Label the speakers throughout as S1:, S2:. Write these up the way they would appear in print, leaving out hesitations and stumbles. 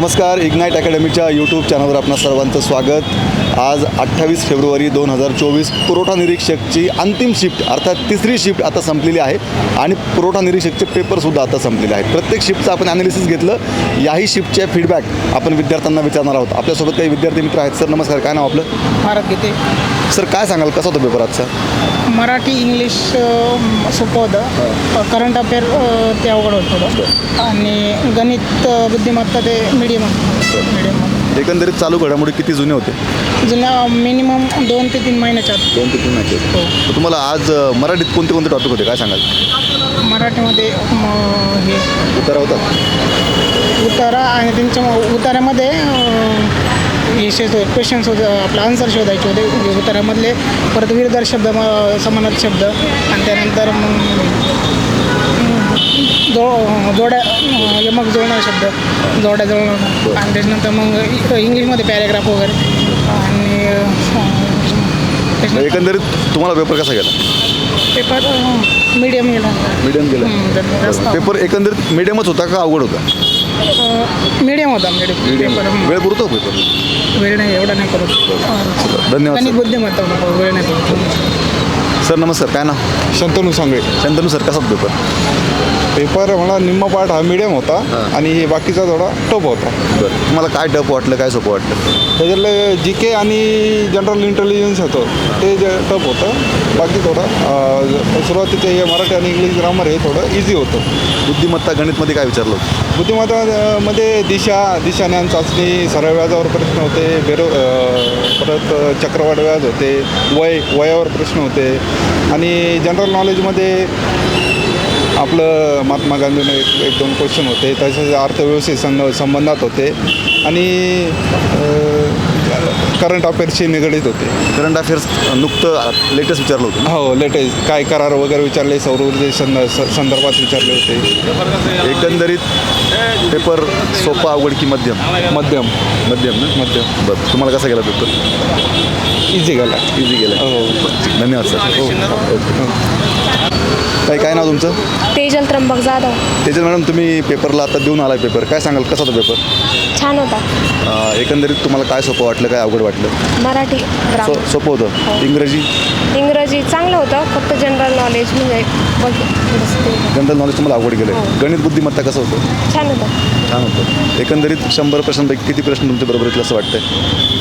S1: नमस्कार, ignite अकॅडमीच्या YouTube चॅनलवर आपणा सर्वांचं स्वागत। आज 28 फेब्रुवारी 2024 पुरवठा निरीक्षकची अंतिम शिफ्ट अर्थात तिसरी शिफ्ट आता संपलेली आहे आणि पुरवठा निरीक्षकचे पेपरसुद्धा आता संपलेले आहेत। प्रत्येक शिफ्टचं आपण ॲनालिसिस घेतलं। याही शिफ्टचे फीडबॅक आपण विद्यार्थ्यांना विचारणार आहोत। आपल्यासोबत काही विद्यार्थी मित्र आहेत। सर नमस्कार, काय नाव आपलं?
S2: भारत गीते।
S1: सर काय सांगाल, कसा होता पेपर आजचा?
S2: मराठी इंग्लिश सोपं होतं, करंट अफेअर ते अवघड होतं थोडं, आणि गणित बुद्धिमत्ता ते मीडियम
S1: एकंदरीत चालू घडामोडी किती जुने होते?
S2: जुन्या मिनिमम 2 ते 3 महिन्याच्या आत।
S1: 2 ते 3 महिने।
S2: हो।
S1: तुम्हाला आज मराठीत कोणते कोणते टॉपिक होते, काय सांगाल?
S2: मराठीमध्ये हे
S1: उत्तर होतात
S2: उतारा, आणि त्यांच्या उतारामध्ये क्वेश्चन्स होते, आपलं आन्सर शोधायचे होते उतारामधले, परत विरुद्ध शब्द, समानार्थी शब्द, आणि त्यानंतर जोड्या यमक जोडणारे शब्द, जोड्या जोडणार, आणि त्याच्यानंतर मग इंग्लिशमध्ये पॅरेग्राफ वगैरे, आणि
S1: एकंदरीत तुम्हाला पेपर कसा गेला?
S2: पेपर मीडियम गेला।
S1: मीडियम गेला। पेपर एकंदरीत मीडियमच होता का अवघड होता?
S2: मीडियम होता। पेपर
S1: वेळ पुरतो पेपर?
S2: वेळ नाही, एवढा नाही करू।
S1: धन्यवाद
S2: गणित
S1: सर।
S2: बुद्धिमत्ता वेळ नाही करू।
S1: सर नमस्कार, काय ना?
S3: शंतनू सांगळे।
S1: शंतनू सर, कसा पेपर?
S3: पेपर मला निम्मा पार्ट हा मीडियम होता आणि हे बाकीचा थोडा टफ होता।
S1: बरं, तुम्हाला काय टफ वाटलं, काय सोपं वाटलं?
S3: त्याच्यातलं जी के आणि जनरल इंटेलिजन्स होतं ते जे टफ होतं, बाकी थोडं सुरुवातीचं हे मराठी आणि इंग्लिश ग्रामर हे थोडं इझी होतं।
S1: बुद्धिमत्ता गणितमध्ये काय विचारलं होतं?
S3: बुद्धिमत्तामध्ये दिशाज्ञान चाचणी, सरळ व्याजावर प्रश्न होते, परत चक्रवाढ व्याज होते, वयावर प्रश्न होते, आणि जनरल नॉलेजमध्ये आपलं महात्मा गांधीने एक 2 क्वेश्चन होते, तसेच अर्थव्यवस्थे संबंधात होते, आणि करंट अफेअर्सशी निगडीत होते।
S1: करंट अफेअर्स नुकतं लेटेस्ट विचारलं होतं?
S3: हो, लेटेस्ट काय करार वगैरे विचारले, सौर ऊर्जे संदर्भात विचारले होते।
S1: एकंदरीत पेपर सोपा, अवघड की मध्यम?
S3: मध्यम
S1: मध्यम ना?
S3: मध्यम।
S1: बरं, तुम्हाला कसा गेला पेपर?
S3: इझी गेला।
S1: इझी गेला।
S3: हो।
S1: धन्यवाद सर। ओके। काय नाव तुमचं?
S4: तेजल त्र्यंबक जाधव।
S1: तेजल मॅडम, तुम्ही पेपरला आता देऊन आलाय पेपर, काय सांगाल, कसा होता पेपर?
S4: छान होता।
S1: एकंदरीत तुम्हाला काय सोपं वाटलं, काय अवघड वाटलं?
S4: मराठी ग्रामर
S1: सोपं होतं।
S4: इंग्रजी चांगलं होतं, फक्त जनरल नॉलेज म्हणजे
S1: जनरल नॉलेज तुम्हाला अवघड गेलं। गणित बुद्धिमत्ता कसं होतं?
S4: छान होतं।
S1: छान होतं। एकंदरीत 100 प्रश्नांपैकी किती प्रश्न तुमच्या बरोबर येतील असं वाटतंय?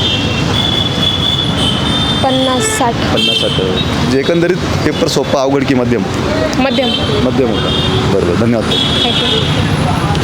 S4: 50-60।
S1: 50-60। म्हणजे एकंदरीत पेपर सोपा, अवघड की मध्यम?
S4: मध्यम।
S1: मध्यम होता। बरोबर, धन्यवाद.
S4: थँक्यू।